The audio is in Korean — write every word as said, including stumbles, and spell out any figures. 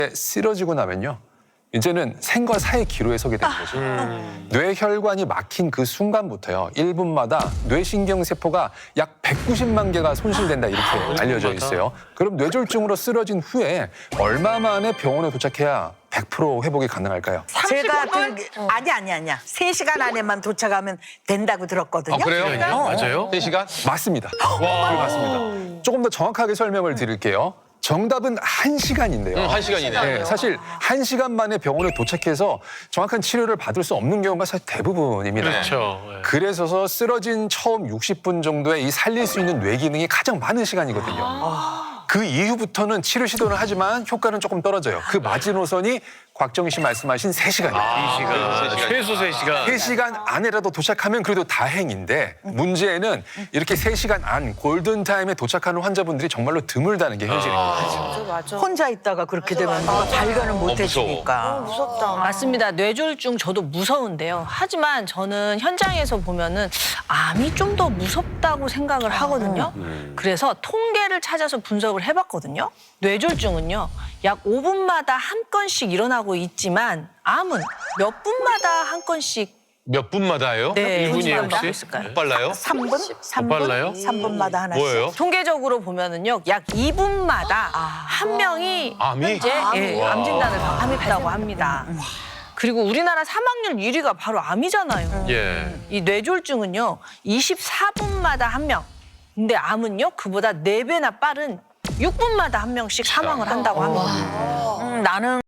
쓰러지고 나면요. 이제는 생과 사의 기로에 서게 되는 거죠. 음. 뇌혈관이 막힌 그 순간부터요. 일 분마다 뇌신경세포가 약 백구십만 개가 손실된다 이렇게 알려져 있어요. 그럼 뇌졸중으로 쓰러진 후에 얼마 만에 병원에 도착해야 백 퍼센트 회복이 가능할까요? 제가 들... 아니 아니 아니야. 세 시간 안에만 도착하면 된다고 들었거든요. 아, 그래요? 어. 맞아요? 세 시간? 맞습니다. 와. 맞습니다. 조금 더 정확하게 설명을 드릴게요. 정답은 한 시간인데요. 응, 한 시간이네. 네, 사실 한 시간 만에 병원에 도착해서 정확한 치료를 받을 수 없는 경우가 사실 대부분입니다. 그렇죠. 네. 그래서 쓰러진 처음 육십 분 정도에 이 살릴 수 있는 뇌 기능이 가장 많은 시간이거든요. 아. 그 이후부터는 치료 시도를 하지만 효과는 조금 떨어져요. 그 마지노선이 곽정희 씨 말씀하신 세 시간이에요. 아, 세 시간. 최소 세 시간. 세 시간 안에라도 도착하면 그래도 다행인데 문제는 이렇게 세 시간 안 골든타임에 도착하는 환자분들이 정말로 드물다는 게 현실입니다. 맞아. 혼자 있다가 그렇게 되면 누가 발견을 못 해주니까. 무섭다. 맞습니다. 뇌졸중 저도 무서운데요. 하지만 저는 현장에서 보면은 암이 좀 더 무섭다고 생각을 하거든요. 그래서 통계를 찾아서 분석을 해봤거든요. 뇌졸중은요. 약 오 분마다 한 건씩 일어나고 있지만 암은 몇 분마다 한 건씩 몇 분마다요? 네, 일 분이에요, 분마다 혹시? 있을까요? 못 빨라요? 삼 분? 삼 분? 빨라요? 삼 분마다 하나씩. 뭐예요? 통계적으로 보면은요, 약 이 분마다 한 명이 암이? 현재 예, 암 진단을 받았다고 합니다. 그리고 우리나라 사망률 일 위가 바로 암이잖아요. 예. 이 뇌졸중은요, 이십사 분마다 한 명. 근데 암은요, 그보다 네 배나 빠른 육 분마다 한 명씩 사망을 한다고 합니다. 음, 나는